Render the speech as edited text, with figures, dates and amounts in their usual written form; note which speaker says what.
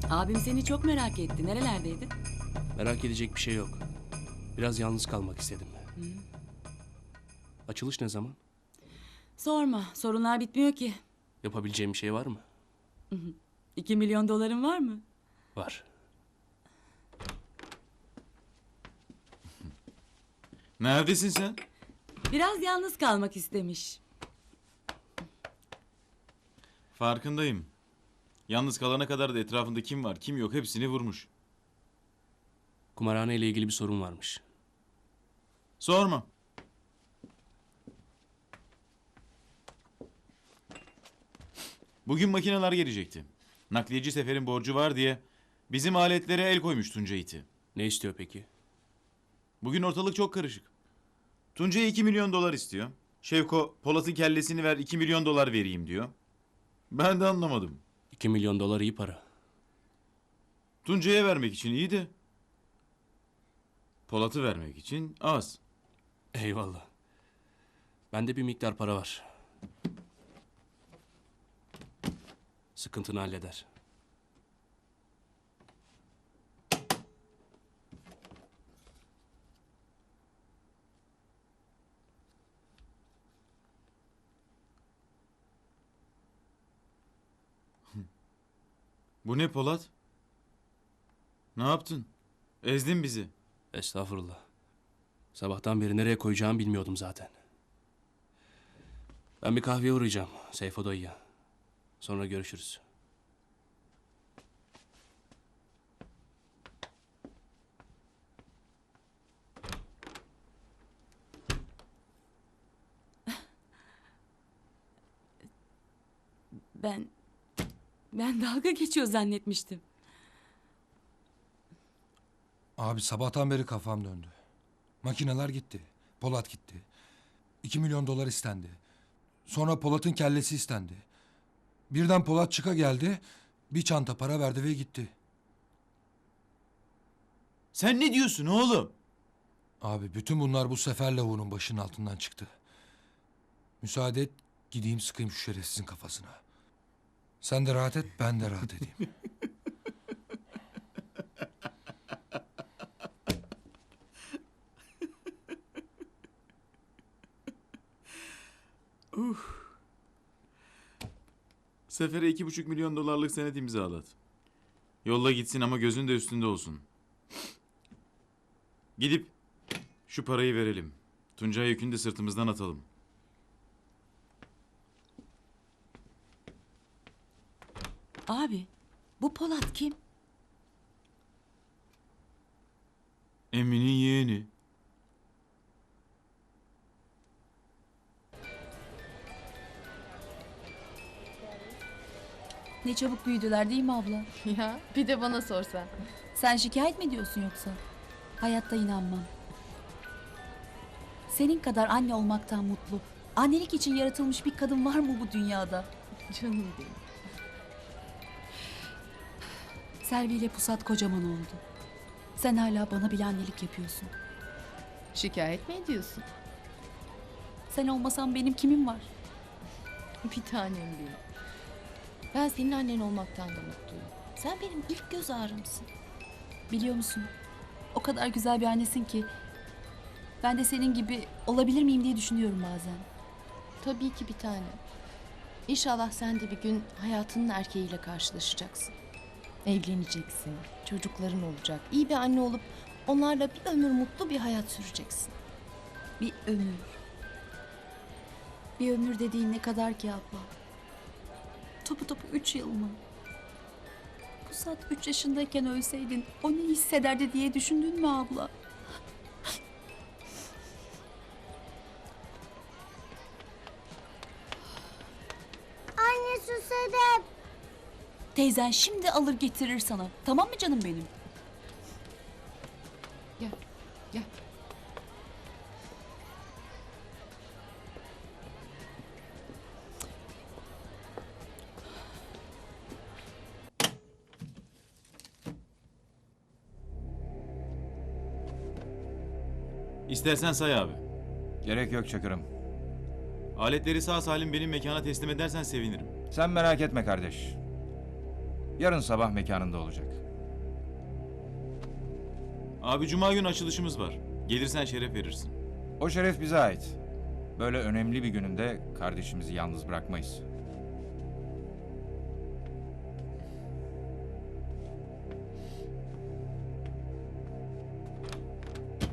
Speaker 1: Abim seni çok merak etti. Nerelerdeydin?
Speaker 2: Merak edecek bir şey yok. Biraz yalnız kalmak istedim. Açılış ne zaman?
Speaker 1: Sorma. Sorunlar bitmiyor ki.
Speaker 2: Yapabileceğim bir şey var mı?
Speaker 1: 2 milyon doların var mı?
Speaker 2: Var.
Speaker 3: Neredesin sen?
Speaker 1: Biraz yalnız kalmak istemiş.
Speaker 3: Farkındayım. Yalnız kalana kadar da etrafında kim var kim yok hepsini vurmuş.
Speaker 2: Kumarhane ile ilgili bir sorun varmış.
Speaker 3: Sorma. Bugün makineler gelecekti. Nakliyeci Sefer'in borcu var diye bizim aletlere el koymuş Tunca iti.
Speaker 2: Ne istiyor peki?
Speaker 3: Bugün ortalık çok karışık. Tunca'ya 2 milyon dolar istiyor. Şevko Polat'ın kellesini ver 2 milyon dolar vereyim diyor. Ben de anlamadım.
Speaker 2: 2 milyon dolar iyi para.
Speaker 3: Tunca'ya vermek için iyi de Polat'ı vermek için az.
Speaker 2: Eyvallah. Bende bir miktar para var. Sıkıntını halleder.
Speaker 3: Bu ne Polat? Ne yaptın? Ezdin bizi.
Speaker 2: Estağfurullah. Sabahtan beri nereye koyacağımı bilmiyordum zaten. Ben bir kahveye uğrayacağım Seyfo dayıya. Sonra görüşürüz.
Speaker 1: Ben dalga geçiyor zannetmiştim.
Speaker 4: Abi sabahtan beri kafam döndü. Makineler gitti. Polat gitti. 2 milyon dolar istendi. Sonra Polat'ın kellesi istendi. Birden Polat çıka geldi. Bir çanta para verdi ve gitti.
Speaker 3: Sen ne diyorsun oğlum?
Speaker 4: Abi bütün bunlar bu sefer lavuğunun başının altından çıktı. Müsaade et gideyim sıkayım şu şerefsizin kafasına. Sen de rahat et ben de rahat edeyim.
Speaker 3: Sefer'e 2,5 milyon dolarlık senet imzalat. Yolla gitsin ama gözün de üstünde olsun. Gidip şu parayı verelim. Tuncay yükünü de sırtımızdan atalım.
Speaker 1: Abi, bu Polat kim?
Speaker 3: Emin'in yeğeni.
Speaker 5: Ne çabuk büyüdüler değil mi abla?
Speaker 6: Ya bir de bana sorsan.
Speaker 5: Sen şikayet mi ediyorsun yoksa? Hayatta inanmam. Senin kadar anne olmaktan mutlu, annelik için yaratılmış bir kadın var mı bu dünyada?
Speaker 6: Canım benim.
Speaker 5: Selvi ile Pusat kocaman oldu. Sen hala bana bile annelik yapıyorsun.
Speaker 6: Şikayet mi ediyorsun?
Speaker 5: Sen olmasan benim kimim var?
Speaker 6: Bir tanem benim. Ben senin annen olmaktan da mutluyum. Sen benim ilk göz ağrımsın.
Speaker 5: Biliyor musun? O kadar güzel bir annesin ki ben de senin gibi olabilir miyim diye düşünüyorum bazen.
Speaker 6: Tabii ki bir tanem. İnşallah sen de bir gün hayatının erkeğiyle karşılaşacaksın. Evleneceksin, çocukların olacak, iyi bir anne olup onlarla bir ömür mutlu bir hayat süreceksin.
Speaker 5: Bir ömür. Bir ömür dediğin ne kadar ki abla? Topu topu 3 yıl mı? Pusat 3 yaşındayken ölseydin o ne hissederdi diye düşündün mü abla?
Speaker 7: Anne susadım.
Speaker 5: Teyzen şimdi alır getirir sana. Tamam mı canım benim?
Speaker 6: Gel, gel.
Speaker 3: İstersen say abi.
Speaker 8: Gerek yok Çakır'ım.
Speaker 3: Aletleri sağ salim benim mekana teslim edersen sevinirim.
Speaker 8: Sen merak etme kardeş. Yarın sabah mekanında olacak.
Speaker 3: Abi cuma günü açılışımız var. Gelirsen şeref verirsin.
Speaker 8: O şeref bize ait. Böyle önemli bir gününde kardeşimizi yalnız bırakmayız.